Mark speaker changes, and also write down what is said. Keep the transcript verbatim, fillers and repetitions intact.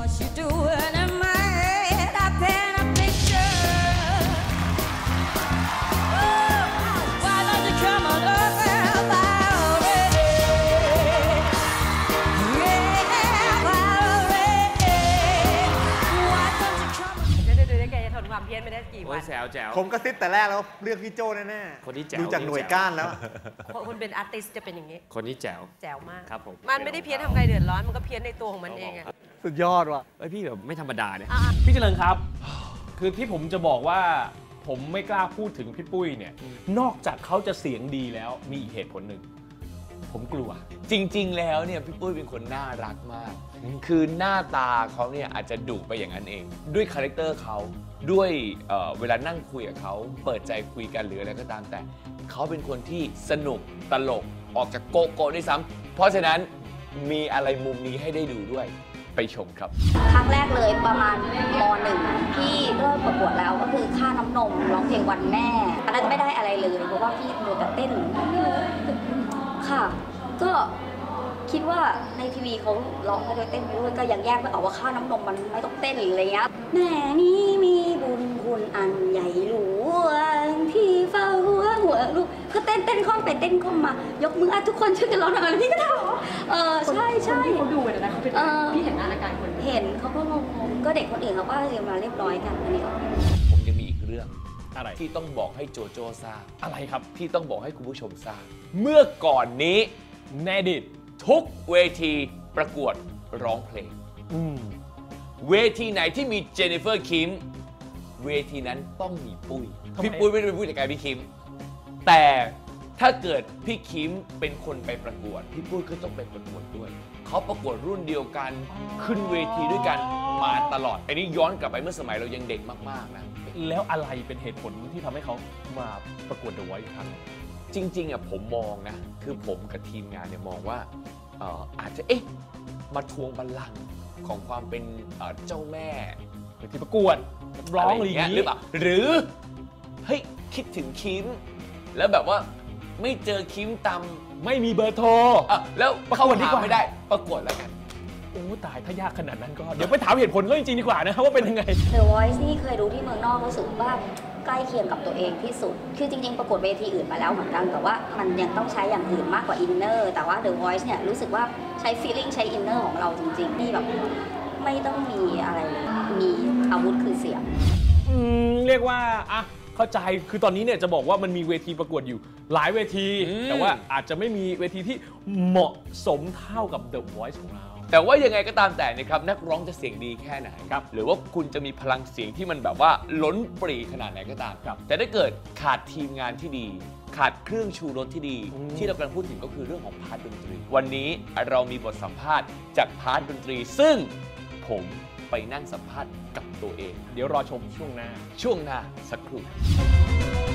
Speaker 1: ความเพี้ยนไม่ได้กี่วัน
Speaker 2: แจ๋วแจ๋ว
Speaker 3: ผมก็ซิดแต่แรกแล้วเลือกพี่โจ้แน่ๆคนที่แจ๋วดูจากหน่วยก้านแล้ว
Speaker 1: คนเป็นอาร์ติสจะเป็นอย่างนี้
Speaker 2: คนที่แจ๋ว
Speaker 1: แจ๋วมาก
Speaker 2: ครับผม
Speaker 1: มันไม่ได้เพี้ยนทำใครเดือดร้อนมันก็เพี้ยนในตัวของมันเองอะ
Speaker 3: สุดยอดว่ะ
Speaker 2: ไอพี่แบบไม่ธรรมดาเนี่ย
Speaker 4: พี่เจริญครับคือที่ผมจะบอกว่าผมไม่กล้าพูดถึงพี่ปุ้ยเนี่ยนอกจากเขาจะเสียงดีแล้วมีอีกเหตุผลหนึ่งผมกลัว
Speaker 5: จริงๆแล้วเนี่ยพี่ปุ้ยเป็นคนน่ารักมากคือหน้าตาเขาเนี่ยอาจจะดุไปอย่างนั้นเองด้วยคาแรคเตอร์เขาด้วย เ, เวลานั่งคุยกับเขาเปิดใจคุยกันหรืออะไรก็ตามแต่เขาเป็นคนที่สนุกตลกออกจากโกโก้ด้วยซ้ำเพราะฉะนั้นมีอะไรมุมนี้ให้ได้ดูด้วยไปชมครับ
Speaker 6: ครั้งแรกเลยประมาณม.หนึ่งที่เริ่มประกวดแล้วก็คือค่าน้ำนมร้องเพลงวันแม่อันนั้นไม่ได้อะไรเลยเพราะว่าพี่มัวแต่เต้นค่ะก็คิดว่าในทีวีเขาร้องไปด้วยเต้นไปด้วยก็ยังแยกไม่ออกว่าค่าน้ำนมมันไม่ต้องเต้นหรืออะไรเงี้ยแม่นี้มีบุญคุณอันใหญ่หลวงที่เฝ้าหัวหัวลูกก็เต้นเต้นข้อมไปเต้นข้อมมายกมืออ่ะทุกคนช่วยกันร้องหน่อยพี่ก็ทำเออใช่ใช่
Speaker 1: เขาดูเลยนะเขาเป็นพี่เห็นอาการคน
Speaker 6: เห็นเขาก็งงๆก็เด็กคนอื่นเขาก็เรียนมาเรียบร้อยกันอันนี้
Speaker 5: ผมยังมีอีกเรื่อง
Speaker 4: อะไร
Speaker 5: ที่ต้องบอกให้โจโจ้ทราบ
Speaker 4: อะไรครับ
Speaker 5: ที่ต้องบอกให้คุณผู้ชมทราบเมื่อก่อนนี้
Speaker 4: แน่ดิ
Speaker 5: ทุกเวทีประกวดร้องเพลงเวทีไหนที่มีเจนนิเฟอร์คิมเวทีนั้นต้องมีปุ้ยพี่ปุ้ยไม่ได้เป็นผู้จัดการพี่คิมแต่ถ้าเกิดพี่คิมเป็นคนไปประกวดพี่ปุ้ยก็ต้องไปประกวดด้วยเขาประกวดรุ่นเดียวกันขึ้นเวทีด้วยกันมาตลอดอันนี้ย้อนกลับไปเมื่อสมัยเรายังเด็กมากๆนะ
Speaker 4: แล้วอะไรเป็นเหตุผลที่ทำให้เขามาประกวด The Voice ครั้ง
Speaker 5: จริงๆอ่ะผมมองนะคือผมกับทีมงานเนี่ยมองว่าอาจจะเอ๊ะมาทวงบัลลังก์ของความเป็นเจ้าแม่
Speaker 4: ที่ประกวดร้องอะไรอย่างนี้
Speaker 5: หรือเปล่าหรือเฮ้ยคิดถึงคิมแล้วแบบว่าไม่เจอคิมตำ
Speaker 4: ไม่มีเบอร์โทร
Speaker 5: แล้วเข้าหาไม่ได้ประกวดแล้วกัน
Speaker 4: โอ้ตายถ้ายากขนาดนั้นก็เดี๋ยวไปถามเหตุผลก็จริงๆดีกว่านะครับว่าเป็นยังไง
Speaker 6: The Voice นี่เคยดูที่เมืองนอกรู้สึกว่าใกล้เคียงกับตัวเองที่สุดคือจริงๆประกวดเวทีอื่นมาแล้วเหมือนกันแต่ว่ามันยังต้องใช้อย่างอื่นมากกว่าอินเนอร์แต่ว่า The Voice เนี่ยรู้สึกว่าใช้ feeling ใช้อินเนอร์ของเราจริงๆนี่แบบไม่ต้องมีอะไรเลยมีอาวุธคือเสียง
Speaker 4: อืมเรียกว่าอ่ะเข้าใจคือตอนนี้เนี่ยจะบอกว่ามันมีเวทีประกวดอยู่หลายเวทีแต่ว่าอาจจะไม่มีเวทีที่เหมาะสมเท่ากับ The Voice ของเรา
Speaker 5: แต่ว่ายังไงก็ตามแต่นะครับนักร้องจะเสียงดีแค่ไหนครับหรือว่าคุณจะมีพลังเสียงที่มันแบบว่าล้นปรีขนาดไหนก็ตามครับแต่ถ้าเกิดขาดทีมงานที่ดีขาดเครื่องชูรสที่ดีที่เรากำลังพูดถึงก็คือเรื่องของพาร์ทดนตรีวันนี้เรามีบทสัมภาษณ์จากพาร์ทดนตรีซึ่งผมไปนั่งสัมภาษณ์กับตัวเอง
Speaker 4: เดี๋ยวรอชมช่วงหน้า
Speaker 5: ช่วงหน้าสักครู่